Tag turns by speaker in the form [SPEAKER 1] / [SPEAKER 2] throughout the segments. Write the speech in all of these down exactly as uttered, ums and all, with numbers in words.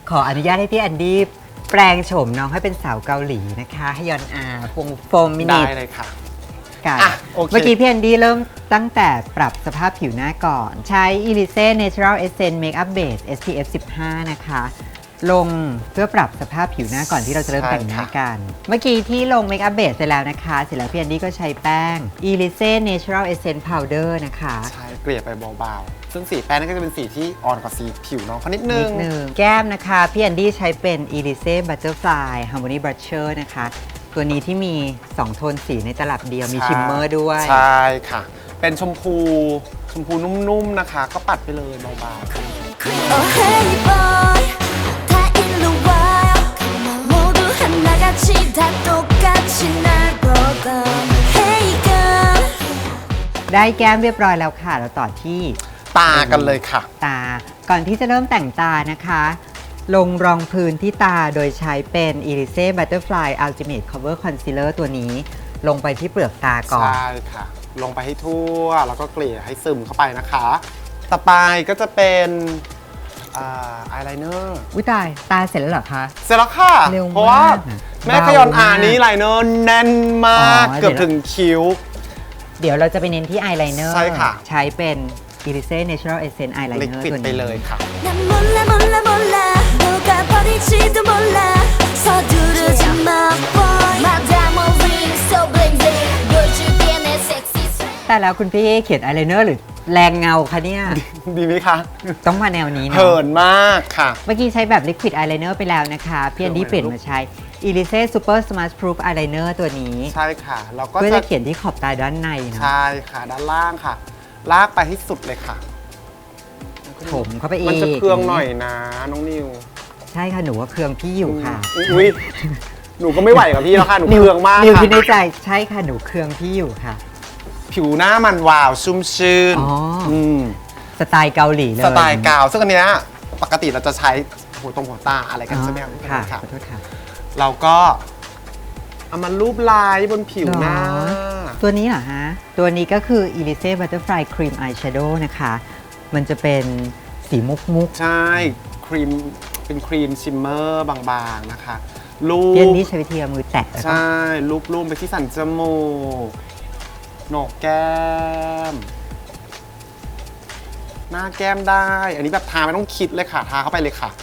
[SPEAKER 1] ขออนุญาตให้พี่แอนดี้แปลงโฉมน้องให้เป็นสาวเกาหลีนะคะให้ยอนอาพงโฟมมินิ
[SPEAKER 2] ได้เลยค่ะ
[SPEAKER 1] กัน
[SPEAKER 2] อ่ะโอเค
[SPEAKER 1] เมื่อกี้พี่แอนดี้เริ่มตั้งแต่ปรับสภาพผิวหน้าก่อน ใช้ Elise Natural Essence Makeup Base เอส พี เอฟ สิบห้า นะคะ ลงเพื่อปรับสภาพผิวหน้าก่อนที่เราจะเริ่มแต่งหน้ากัน เมื่อกี้ที่ลง Makeup Base เสร็จแล้วนะคะ เสร็จแล้วพี่แอนดี้ก็ใช้แป้ง Elise Natural Essence Powder นะคะ
[SPEAKER 2] ใช้เกลี่ยไปเบาๆซึ่งสีแป้งนั่นก็จะเป็นสีที่อ่อนกว่าสีผิวน้องเขานิดนึ
[SPEAKER 1] นิ
[SPEAKER 2] ง
[SPEAKER 1] ดนึงแก้มนะคะพี่แอนดี้ใช้เป็น Elise Butterfly Harmony Blusher นะคะ ตัวนี้ที่มี สอง โทนสีในตลับเดียวมีชิมเมอร์ด้วย
[SPEAKER 2] ใช่ค่ะ เป็นชมพูชมพูนุ่มๆนะคะ ก็ปัดไปเลยเบา
[SPEAKER 3] Oh hey boy 다 일로 와요 모두 하나같이 다 똑같이 날 보고 Hey girl
[SPEAKER 1] ได้แก้มเรียบร้อยแล้วค่ะเราต่อที่
[SPEAKER 2] ๆตากันเลยค่ะ
[SPEAKER 1] ตา ก่อนที่จะเริ่มแต่งตานะคะ ลงรองพื้นที่ตาโดยใช้เป็น Elise Butterfly Ultimate Cover Concealer ตัวนี้ ลงไปที่เปลือกตาก่อน
[SPEAKER 2] ใช่ค่ะ ลงไปให้ทั่ว แล้วก็เกลี่ยให้ซึมเข้าไปนะคะ ต่อไปก็จะเป็นอายไลเนอร์
[SPEAKER 1] อุ้ยตาย ตาเสร็จแล้วเหรอคะ
[SPEAKER 2] เสร็จแล้วค่ะ
[SPEAKER 1] เร็วมาก
[SPEAKER 2] เพราะว่าแม่ขยอนอานี้ไลเนอร์แน่นมาก
[SPEAKER 1] อ๋อ
[SPEAKER 2] เกือบถึงคิ้ว
[SPEAKER 1] เดี๋ยวเราจะไปเน้นที่อายไลเนอร์
[SPEAKER 2] ใช่ค่ะ
[SPEAKER 1] ใช้เป็น Elise Natural Essence
[SPEAKER 2] ลิ
[SPEAKER 1] Eyeliner
[SPEAKER 2] ควิด
[SPEAKER 1] ตัว
[SPEAKER 2] ไป
[SPEAKER 1] นี้
[SPEAKER 2] เลยค่ะ
[SPEAKER 3] 난 몰라 몰라 몰라 녹아버릴지도 몰라 서두르지 마 boy Madame ring so bling bling 보여줄게 내 섹시 swag
[SPEAKER 1] แต่แล้วคุณพี่เขียนอายไลเนอร์หรือแรงเงาคะเนี่ย
[SPEAKER 2] ดีไหมคะ
[SPEAKER 1] ต้องมาแนวนี้เนาะ
[SPEAKER 2] เหินมากค่ะ
[SPEAKER 1] เมื่อกี้ใช้แบบ Liquid Eyeliner ไปแล้วนะคะพี่แอนดี้เปลี่ยนมาใช้ Elise Super Smart Proof Eyeliner ตัวนี้
[SPEAKER 2] ใช่ค่ะแล้วก็
[SPEAKER 1] เพื่อ
[SPEAKER 2] จะ
[SPEAKER 1] จะเขียนที่ขอบตาด้านในเนาะ
[SPEAKER 2] ใช่ค่ะด้านล่างค่ะ ลากไปให้สุดเลยค่ะ
[SPEAKER 1] ถมเข้าไปอีก
[SPEAKER 2] มันจะเคืองหน่อยนะน้องนิว
[SPEAKER 1] ใช่ค่ะหนูว่าเครืองพี่อยู่ค่ะ
[SPEAKER 2] อุ้ยหนูก็ไม่ไหวกับพี่แล้วค่ะ หนู
[SPEAKER 1] นิว
[SPEAKER 2] เคืองมาก
[SPEAKER 1] นิว
[SPEAKER 2] ค่ะ
[SPEAKER 1] คิดในใจใช่ค่ะหนูเครืองพี่อยู่ค่ะ
[SPEAKER 2] ผิวหน้ามันวาวชุ่มชื่น
[SPEAKER 1] อ๋ออื
[SPEAKER 2] ม
[SPEAKER 1] สไตล์เกาหลีเลย
[SPEAKER 2] สไตล์กาว ซึ่งอันเนี้ยปกติเราจะใช้หัวตรงหัวตาอะไรกัน
[SPEAKER 1] อ๋อ
[SPEAKER 2] ใช่ไหมครับ
[SPEAKER 1] ค่ะ
[SPEAKER 2] ค่ะ
[SPEAKER 1] ขอโทษค่ะ
[SPEAKER 2] เราก็เอามารูปลายบนผิวหน้า
[SPEAKER 1] หรอ ตัวนี้เหรอฮะ ตัวนี้ก็คือ Elise Butterfly Cream Eyeshadow นะคะ มันจะเป็นสีมุกมุก
[SPEAKER 2] ใช่ครีมเป็นครีมชิมเมอร์บางๆนะคะรูป
[SPEAKER 1] เพียนนี้ใช้วิธีเอามือแตะแล้วก็
[SPEAKER 2] ใช่รูปรูปไปที่สันจมูกโหนกแก้ม หน้าแก้มได้ อันนี้แบบทาไม่ต้องคิดเลยค่ะ ทาเข้าไปเลยค่ะ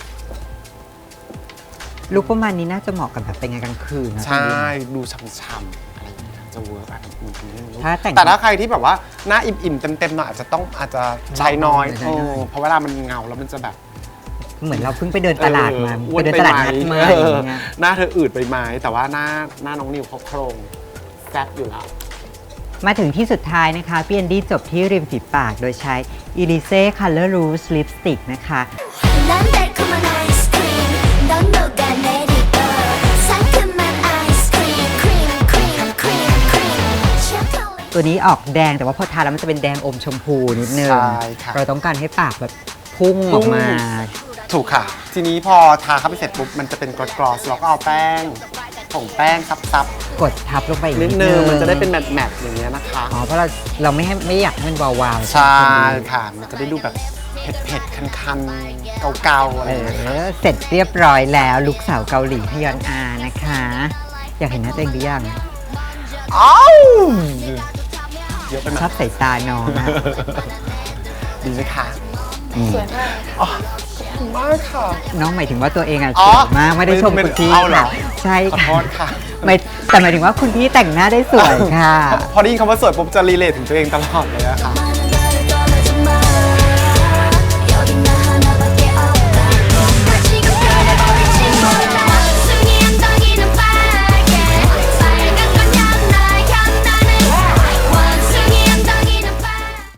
[SPEAKER 1] ลุคประมาณนี้น่าจะเหมาะกับแบบเป็นงานกลางคืนนะ
[SPEAKER 2] ใช่ ดูช่ำๆอะไรอย่างเงี้ยจะเวิร์กอ่ะมันเป็นเรื่อง
[SPEAKER 1] ถ้าแต่ง
[SPEAKER 2] แต่ถ้าใครที่แบบว่าหน้าอิ่มๆเต็มๆหน่อยอาจจะต้องอาจจะใช้น้อย
[SPEAKER 1] ใช้น้อย
[SPEAKER 2] เออเพราะเวลามันเงาแล้วมันจะแบบ
[SPEAKER 1] เหมือนเราเพิ่งไปเดินตลาดมา
[SPEAKER 2] เอออ้
[SPEAKER 1] ไป
[SPEAKER 2] วน
[SPEAKER 1] เดิน
[SPEAKER 2] ไป
[SPEAKER 1] ตลาด
[SPEAKER 2] ไหม
[SPEAKER 1] นัดมา
[SPEAKER 2] เอ
[SPEAKER 1] อ
[SPEAKER 2] อย่าง
[SPEAKER 1] เงี้ย
[SPEAKER 2] หน้าเธออืดไปไหมแต่ว่าหน้าหน้าน้องนิวเขาโครงแซ่บอยู่แล้ว
[SPEAKER 1] มาถึงที่สุดท้ายนะคะพี่แอนดี้จบที่ริมฝีปากโดยใช้ Elise Color Rouge Lipstick นะคะ
[SPEAKER 3] 난 달콤한 아이스크림 넌 녹아내리고 상큼한 아이스크림 크림 크림 크림 크림 초콜릿
[SPEAKER 1] ตัวนี้ออกแดงแต่ว่าพอทาแล้วมันจะเป็นแดงอมชมพูนิดนึง
[SPEAKER 2] ใช่ค่ะ
[SPEAKER 1] เราต้องการให้ปากแบบพุ่งออกมา
[SPEAKER 2] ถูกค่ะ ทีนี้พอทาเข้าไปเสร็จปุ๊บมันจะเป็นกรอสๆเราก็เอาแป้งผงแป้งซับ
[SPEAKER 1] กดทับลงไปอีก
[SPEAKER 2] ๆนิดนึงมันจะได้เป็นแมทๆอย่างเงี้ยนะคะ
[SPEAKER 1] อ๋อเพราะเราเราไม่ให้ไม่อยากให้มันวาวๆ
[SPEAKER 2] ใช่
[SPEAKER 1] ไหม
[SPEAKER 2] ค่ะ มันจะได้ดูแบบเผ็ดๆ คันๆ เกาๆ อะไร
[SPEAKER 1] เอ
[SPEAKER 2] อย่างเงี้ย
[SPEAKER 1] อเสร็จเรียบร้อยแล้วลูกสาวเกาหลีฮยอนอานะคะ อยากเห็นหน้าตัวเองหรือยัง
[SPEAKER 2] อ้าวเยอะไปไหม
[SPEAKER 1] ชอบใส่ตาน้องอะ
[SPEAKER 2] ดีไหมคะ
[SPEAKER 3] สวยมาก
[SPEAKER 2] อ๋อขอบคุณมากค่ะ
[SPEAKER 1] น้องหมายถึงว่าตัวเองอะ
[SPEAKER 2] อ๋
[SPEAKER 1] ส
[SPEAKER 2] อ
[SPEAKER 1] วยมากไม่ได้ชม
[SPEAKER 2] ไม่
[SPEAKER 1] คุณพี่
[SPEAKER 2] เอาเหรอ
[SPEAKER 1] ค่ะใช่
[SPEAKER 2] ขอ
[SPEAKER 1] ค่ะ
[SPEAKER 2] โทษค่ะ
[SPEAKER 1] ไม่แต่หมายถึงว่าคุณพี่แต่งหน้าได้สวยค่ะ
[SPEAKER 2] พอได้ยินคำว่าสวยปุ๊บจะรีเลทถึงตัวเองตลอดเลยอะค่ะ